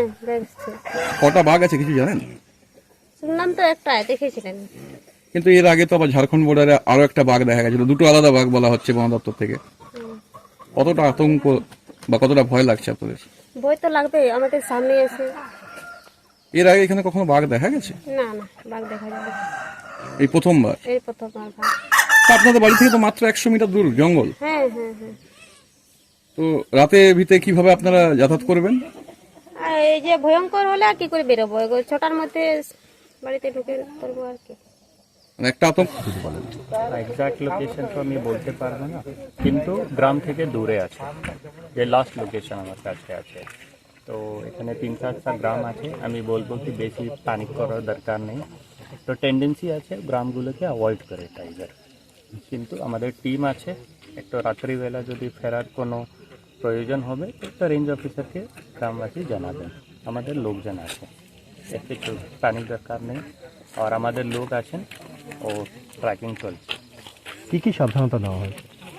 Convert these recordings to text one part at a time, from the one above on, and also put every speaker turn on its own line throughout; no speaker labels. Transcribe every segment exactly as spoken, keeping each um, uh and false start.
দেখছি।
কটা বাঘ আছে কিছু জানেন?
শুনলাম তো একটা দেখেছিলেন।
কিন্তু এর আগে তো আবার ঝাড়খণ্ড বর্ডারে আরো একটা বাঘ দেখা গেছিল, দুটো আলাদা বাঘ বলা হচ্ছে বন দপ্তর থেকে।
হুম।
কতটা আতঙ্ক বা কতটা ভয় লাগছে আপনাদের?
ভয় তো লাগবে, আমাদের সামনে এসে।
এর আগে এখানে কখনো বাঘ দেখা গেছে?
না না, বাঘ দেখা যাবে
এই প্রথমবার?
এই প্রথমবার ভাগ।
তা আপনাদের বাড়ি থেকে তো মাত্র একশো মিটার দূর জঙ্গল।
হ্যাঁ হ্যাঁ হ্যাঁ।
তো রাতে ভিতরে কিভাবে আপনারা যাতায়াত করবেন?
আর এই যে ভয়ঙ্কর হলে আর কি করে বেরোবো, এগো ছটার মধ্যে বাড়িতে ঢুকে করবো আর কি।
মানে একটা আতঙ্ক।
এক্সাক্ট লোকেশন তো আমি বলতে পারবো না, কিন্তু গ্রাম থেকে দূরে আছে, যে লাস্ট লোকেশন আমার কাছে আছে। তো এখানে তিন চারটা গ্রাম আছে, আমি বলবো কি বেশি প্যানিক করার দরকার নেই। তো টেন্ডেন্সি আছে গ্রামগুলোকে অ্যাভয়েড করে টাইগার, কিন্তু আমাদের টিম আছে। একটু রাত্রিবেলা যদি ফেরার কোনো প্রয়োজন হবে তো রেঞ্জ অফিসারকে গ্রামবাসী জানাবেন, আমাদের লোকজন আছে, এর কিছু প্যানিক দরকার নেই। আর আমাদের লোক আছেন ও ট্র্যাকিং চলছে।
কী কী সাবধানতা নেওয়া হয়?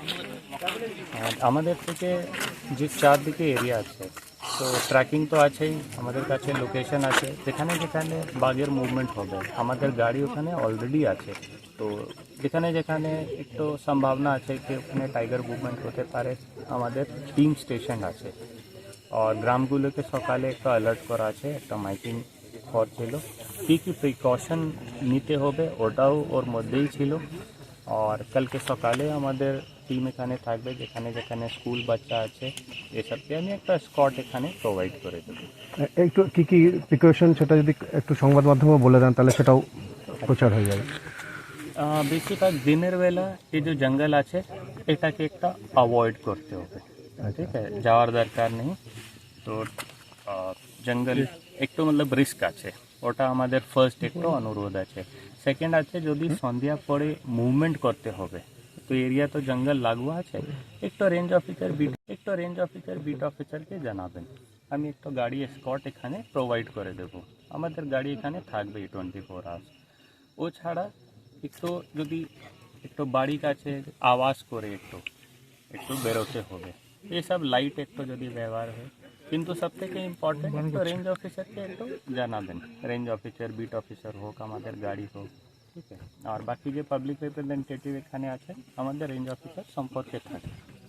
আর আমাদের থেকে যে চারদিকে এরিয়া আছে, তো ট্র্যাকিং তো আছেই, আমাদের কাছে লোকেশন আছে যেখানে যেখানে বাঘের মুভমেন্ট হবে, আমাদের গাড়ি ওখানে অলরেডি আছে। তো যেখানে যেখানে একটু সম্ভাবনা আছে কি ওখানে টাইগার মুভমেন্ট হতে পারে, আমাদের টিম স্টেশন আছে। আর গ্রামগুলোকে সকালে একটা অ্যালার্ট করা আছে, একটা মাইকিং করছিল, কী কী প্রিকশন নিতে হবে ওটাও ওর মধ্যেই ছিল। আর কালকে সকালে আমাদের টিম এখানে থাকবে, যেখানে যেখানে স্কুল বাচ্চা আছে এসবকে আমি একটা স্কট এখানে প্রোভাইড করে দেবো।
এ- একটু কী কী প্রিকশন সেটা যদি একটু সংবাদ মাধ্যমে বলে দেন তাহলে সেটাও প্রচার হয়ে যাবে।
আহ, বেশিরভাগ দিনের বেলা এই যে জঙ্গল আছে এটাকে একটা অ্যাভয়েড করতে হবে, ঠিক আছে, যাওয়ার দরকার নেই। তো আহ, জঙ্গল একটু মতলব রিস্ক আছে, ওটা আমাদের ফার্স্ট একটু অনুরোধ আছে। সেকেন্ড আছে যদি সন্ধ্যা পরে মুভমেন্ট করতে হবে, তো এরিয়া তো জঙ্গল লাগু আছে, একটু রেঞ্জ অফিসার বিট একটু রেঞ্জ অফিসার বিট অফিসারকে জানাবেন, আমি একটু গাড়ি স্কট এখানে প্রোভাইড করে দেবো। আমাদের গাড়ি এখানে থাকবে টোয়েন্টি ফোর আওয়ার্স। ও ছাড়া একটু যদি একটু বাড়ির কাছে আওয়াজ করে একটু একটু বেরোতে হবে, এসব লাইট একটু যদি ব্যবহার হয়। কিন্তু সব থেকে ইম্পর্টেন্ট একটু রেঞ্জ অফিসারকে একটু জানাবেন, রেঞ্জ অফিসার বিট অফিসার হোক, আমাদের গাড়ি হোক, ঠিক আছে। আর বাকি যে পাবলিক রিপ্রেজেন্টেটিভ এখানে আছে আমাদের রেঞ্জ অফিসার সম্পর্কে থাকে।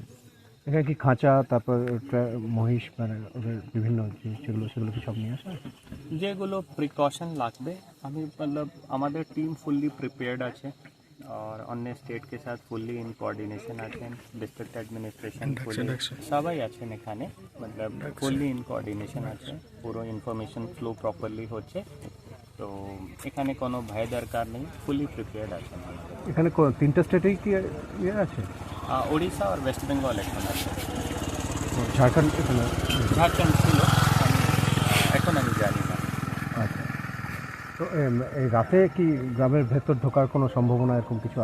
এখানে কি খাঁচা, তারপর ট্রা- মহিষ, মানে ওদের বিভিন্ন জিনিস যেগুলো সেগুলো কি সব নিয়ে আসা?
যেগুলো প্রিকশন লাগবে আমি मतलब আমাদের টিম ফুললি প্রিপেয়ার্ড আছে, আর অন্য স্টেট के साथ ফুললি ইন কোঅর্ডিনেশন আছেন, ডিস্ট্রিক্ট অ্যাডমিনিস্ট্রেশন ফুললি সবাই আছেন এখানে, मतलब ফুললি ইন কোঅর্ডিনেশন আছে, পুরো ইনফরমেশন ফ্লো প্রপারলি হচ্ছে। তো এখানে কোনো ভয় দরকার নেই, ফুললি প্রিপেয়ার্ড আছেন আমাদের।
এখানে কো- তিনটে স্টেটেই কি ইয়ে আছে?
আহ, উড়িষ্যা আর ওয়েস্ট বেঙ্গল এখন আছে,
ঝাড়খণ্ড এখানে?
ঝাড়খণ্ড ছিল, আমি এখন আমি জানি না।
আচ্ছা। তো এম, এই রাতে কি গ্রামের ভেতর ঢোকার কোনো সম্ভাবনা এরকম কিছু